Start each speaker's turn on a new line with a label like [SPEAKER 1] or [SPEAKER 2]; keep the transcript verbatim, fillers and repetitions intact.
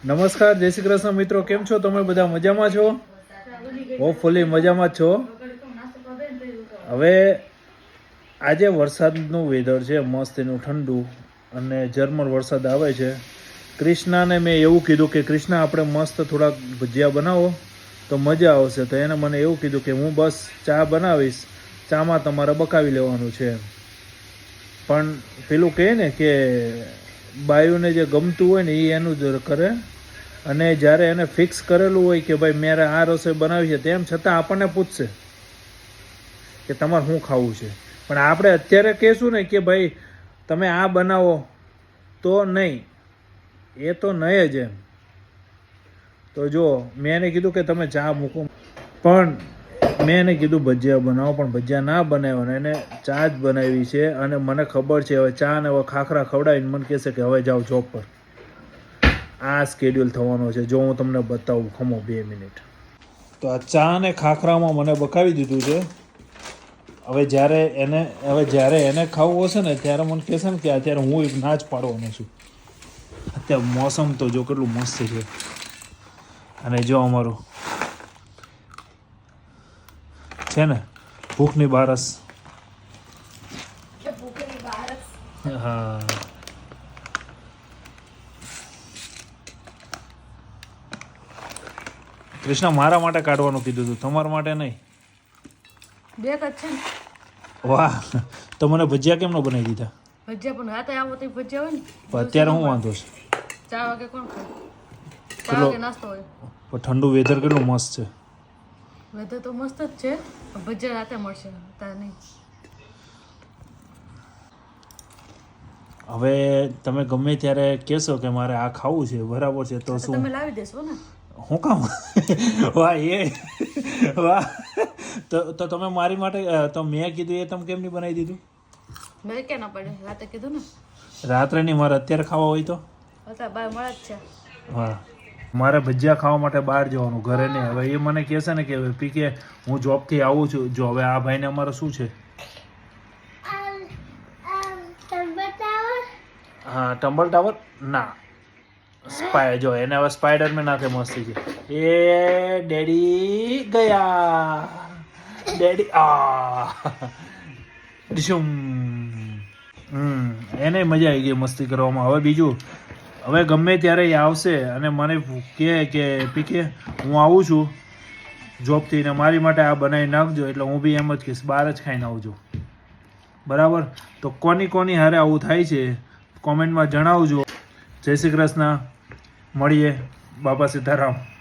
[SPEAKER 1] નમસ્કાર, જય શ્રી કૃષ્ણ મિત્રો, કેમ છો તમે? બધા મજામાં છો? હોપફુલી મજામાં જ છો. હવે આજે વરસાદનું વેધર છે, મસ્ત એનું ઠંડુ અને ઝરમર વરસાદ આવે છે. કૃષ્ણાને મેં એવું કીધું કે કૃષ્ણા આપણે મસ્ત થોડાક ભજીયા બનાવો તો મજા આવશે. તો એને મને એવું કીધું કે હું બસ ચા બનાવીશ, ચામાં તમારે બકાવી લેવાનું છે. પણ પેલું કહે ને કે બાયુને જે ગમતું હોય ને એ એનું જ કરે, અને જ્યારે એને ફિક્સ કરેલું હોય કે ભાઈ મારે આ રસોઈ બનાવી છે, તેમ છતાં આપણને પૂછશે કે તમારે શું ખાવું છે. પણ આપણે અત્યારે કહેશું ને કે ભાઈ તમે આ બનાવો તો નહીં, એ તો નહીં જ એમ. તો જો મેં એને કીધું કે તમે ચા મૂકો, પણ મેં એને કીધું ભજીયા બનાવો, પણ ભજીયા ના બનાવ્યો ને એને ચા જ બનાવી છે. અને મને ખબર છે હવે ચા ને હવે ખાખરા ખવડાવીને મને કહેશે કે હવે જાઓ જોબ પર. આ સ્કેડ્યુલ થવાનો છે. જો હું તમને બતાવું, ખમો બે મિનિટ. તો આ ચા ને ખાખરામાં મને બકાવી દીધું છે. હવે જ્યારે એને હવે જ્યારે એને ખાવું હશે ને ત્યારે મને કહેશે ને કે અત્યારે હું એક ના જ પાડવાનો છું. અત્યારે મોસમ તો જો કેટલું મસ્ત છે. અને જો અમારું છે ને ભૂખની બારસ. હા, કૃષ્ણ મારા માટે કાઢવાનું કીધું હતું, તમારા માટે નહીં.
[SPEAKER 2] બે જ છે ને.
[SPEAKER 1] વાહ, તો મને ભજીયા કેમ ન બનાવી દીધા?
[SPEAKER 2] ભજીયા પણ રાતે આવો તો ભજીયા હોય ને.
[SPEAKER 1] પણ અત્યારે શું વાંધો છે?
[SPEAKER 2] ચા વાગે કોણ ખાય? ચા વાગે નાસ્તો હોય.
[SPEAKER 1] પણ ઠંડુ વેધર કેટલું મસ્ત છે.
[SPEAKER 2] વેધર તો મસ્ત જ છે, પણ ભજીયા રાતે મળશે, અત્યારે નહીં.
[SPEAKER 1] હવે તમે ગમે ત્યારે કહેશો કે મારે આ ખાવું છે, બરાબર છે, તો શું
[SPEAKER 2] તમે લાવી દેશો ને?
[SPEAKER 1] હું કામ? વાહ, એ વાહ. તો તો તમે મારી માટે તો મેં કીધું એ તમે કેમ નહીં બનાવી દીધું?
[SPEAKER 2] મેં ક્યાં ના પડે, રાતે કીધું ને.
[SPEAKER 1] રાત્રે નહીં, મારે અત્યારે ખાવા હોય તો?
[SPEAKER 2] અત્યારે બાર મળે જ છે.
[SPEAKER 1] હા, મારે ભજીયા ખાવા માટે બહાર જવાનું, ઘરે નહીં. હવે એ મને કહેશે ને કે પી કે હું જોબથી આવું છું. જો હવે આ ભાઈને અમારે શું છે? હા, ટમ્બલ ટાવર ના, સ્પાય જો એને હવે સ્પાઈડરમેન નાખે મસ્તી છે. એ ડેડી ગયા, ડેડી આ ડિશુમ. હમ એને મજા આવી ગઈ મસ્તી કરવામાં. હવે બીજું, હવે ગમે ત્યારે એ આવશે અને મને કહે કે પીકે હું આવું છું જોબથી ને મારી માટે આ બનાવી નાખજો, એટલે હું બી એમ જ કહીશ બહાર જ ખાઈને આવજો, બરાબર? તો કોની કોની હારે આવું થાય છે કોમેન્ટમાં જણાવજો. જય શ્રી કૃષ્ણ, મળીએ. બાપા સીતારામ.